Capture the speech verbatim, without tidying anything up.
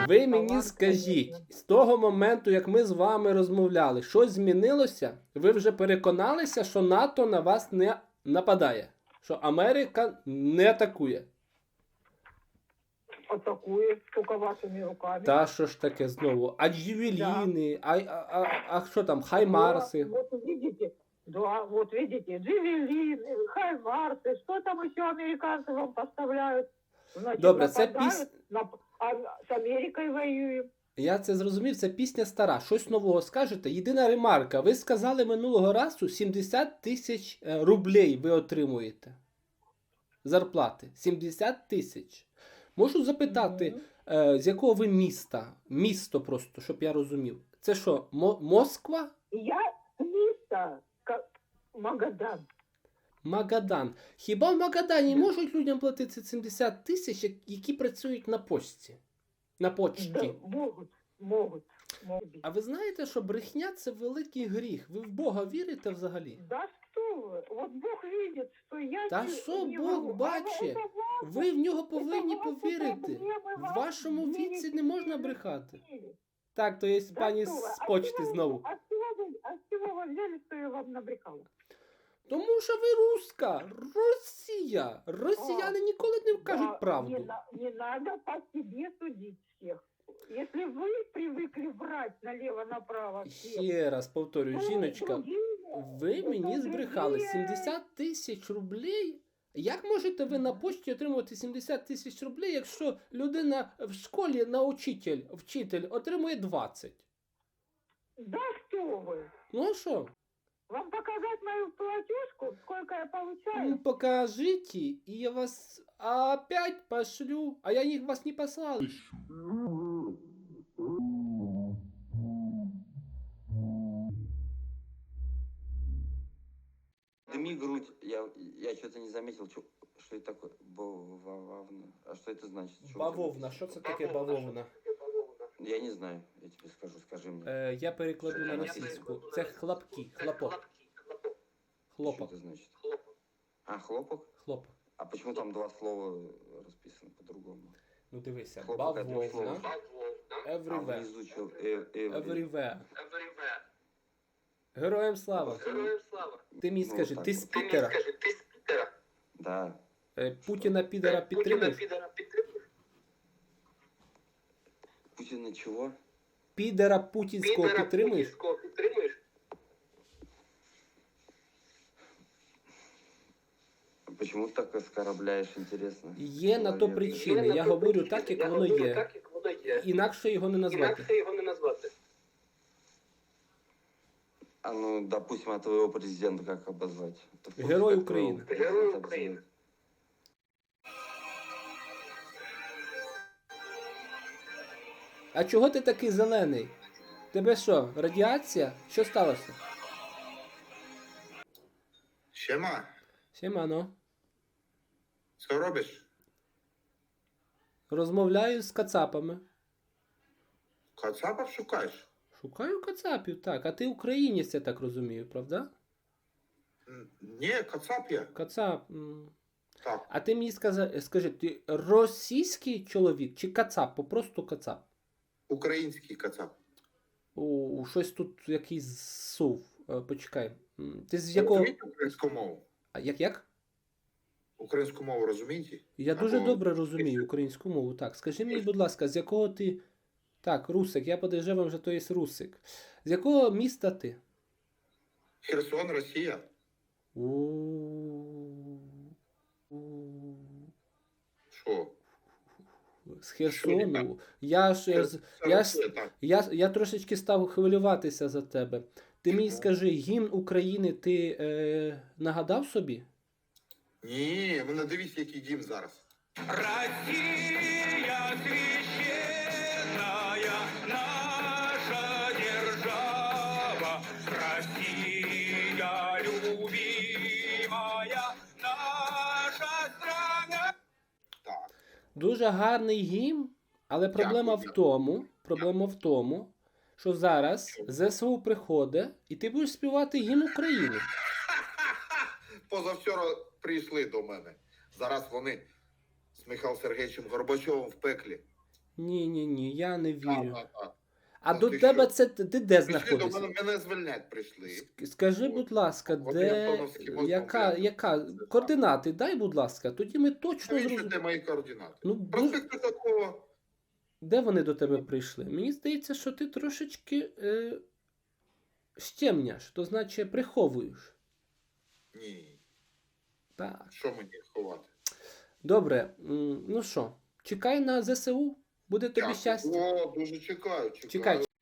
Ви мені скажіть, з того моменту, як ми з вами розмовляли, щось змінилося? Ви вже переконалися, що НАТО на вас не нападає? Що Америка не атакує? Атакует только вашими руками. Та що ж таке знову? А джевеліни, а, а, а, а що там, хаймарси? Да, вот видите, да, вот видите, джевелины, хаймарсы, что там еще американцы вам поставляют? Значит, Добре, це нападают, піс... нап- а с Америкой воюем. Я це зрозумів, це пісня стара. Щось нового скажете? Єдина ремарка. Ви сказали минулого разу сімдесят тисяч е, рублей ви отримуєте. Зарплати. сімдесят тисяч. Можу запитати, Мгм. е, з якого ви міста? Місто просто, щоб я розумів. Це що, Мо- Москва? Я место, как Магадан. Магадан. Хіба в Магадані можуть людям платити сімдесят тисяч, як- які працюють на почті? На почті. Да, могут, могут, могут. А ви знаєте, що брехня – це великий гріх? Ви в Бога вірите взагалі? Да что вы, вот Бог видит, что я Та не- що не Бог вру. А бачить? это ваши- Ви в нього повинні ваші повірити. проблеми, В ваші вашому дії, віці не можна брехати. дії. Так, то є Да пані что вы, з а почти чего вы- знову. А с чего вы, а с чего вы взяли, что я вам набрехала? Тому що ви руска, Росія. Росіяни ніколи не Да, кажуть Не, правду. на- не надо по себе судить всех. Если вы привыкли врать налево-направо всех, Ще раз повторюю, то жіночка, другие- ви то мені збрехали другие- сімдесят тисяч рублей. Як можете ви на почті отримувати сімдесят тисяч рублей, якщо людина в школі на учитель, вчитель отримує двадцять? Да что вы? Ну а що? Вам показать мою платежку, сколько я получаю? Ну, покажите, и я вас опять пошлю. А я их вас не послал. Дыми грудь, я, я что-то не заметил, что, что это такое. Бавовна. А что это значит? Что у тебя Бавовна, написано? що це таке бавовна? Я не знаю, я тебе скажу, скажи мне. Е, я перекладу на російську. Це хлопки, хлопок. Что Хлопок, это значит? А, хлопок? хлопок. А почему там два слова расписаны по-другому? Ну дивися, Хлопок это бавовна. слово. А Everywhere. внизу что? Э, э, Everywhere. Героям слава. Ти мені Ну, скажи, так ти от. з Пітера. Да. Е, Путіна підера підтримуєш? Путина чего? Підера путінського підтримуєш? Почему ты так оскорбляешь, интересно? Є на то Человека? причини. Я говорю так, як воно є. Інакше його не назвати. А ну, допустим, а твоего президента как обозвать? Ты в курсе, Герой как твоего Украины. президента Герой обзывают? Украины. А чого ти такий зелений? Тебе що, радіація? Що сталося? Siema, Сімано. co robisz? Розмовляю з кацапами. Kacapa szukasz? Шукаю кацапів, так. А ти українець, я так розумію, правда? N- Nie, kacap ja. Кацап. м. Tak, А ти мені скажи, скажи, ти російський чоловік чи кацап? Попросту кацап. ukraiński kacap. У, щось тут якийсь сув. Е, Почекай. М, Ти з якого. Розумієте українську мову? А як як? Українську мову розумієте? Я дуже Або- добре розумію українську мову. Так, скажи мені, будь ласка, з якого ти. Так, русик, я подejrzewam, що то є русик. З якого міста ти? Херсон, Росія. У- у- Що? З Херсону. Я ж, Це- з- це я, Росія, ж- так. я, я трошечки став хвилюватися за тебе. Ти мені Чому? скажи, гімн України ти е, нагадав собі? Ні, ви не дивіться, який дім зараз. Россия священная наша держава, Россия любимая наша страна. Так. Дуже гарний гімн, але проблема Дякую. в тому, проблема в тому, що зараз ЗСУ приходить, і ти будеш співати гімн України. Позавчора прийшли до мене. Зараз вони з Михайлом Сергійовичем Горбачовим в пеклі. Ні, ні, ні, я не Так, вірю. так, так. А Та до ти тебе що? це ти ти де Прийшли до знаходишся? мене, мене звільнять прийшли. Ск- Скажи, От. будь ласка, От де Антоновський мост, яка, там, яка це так. координати? Дай, будь ласка, тоді ми точно Навіщо зрозуміємо. де мої координати? Ну, дуже- Проспект Ушакова. Де вони до тебе прийшли? Мені здається, що ти трошечки е, щемняш, то значить приховуєш. Ні. Так. Що мені ховати? Добре, м, ну що, чекай на ЗСУ, буде тобі Дякую. щастя. О, дуже чекаю, чекаю. Чекай.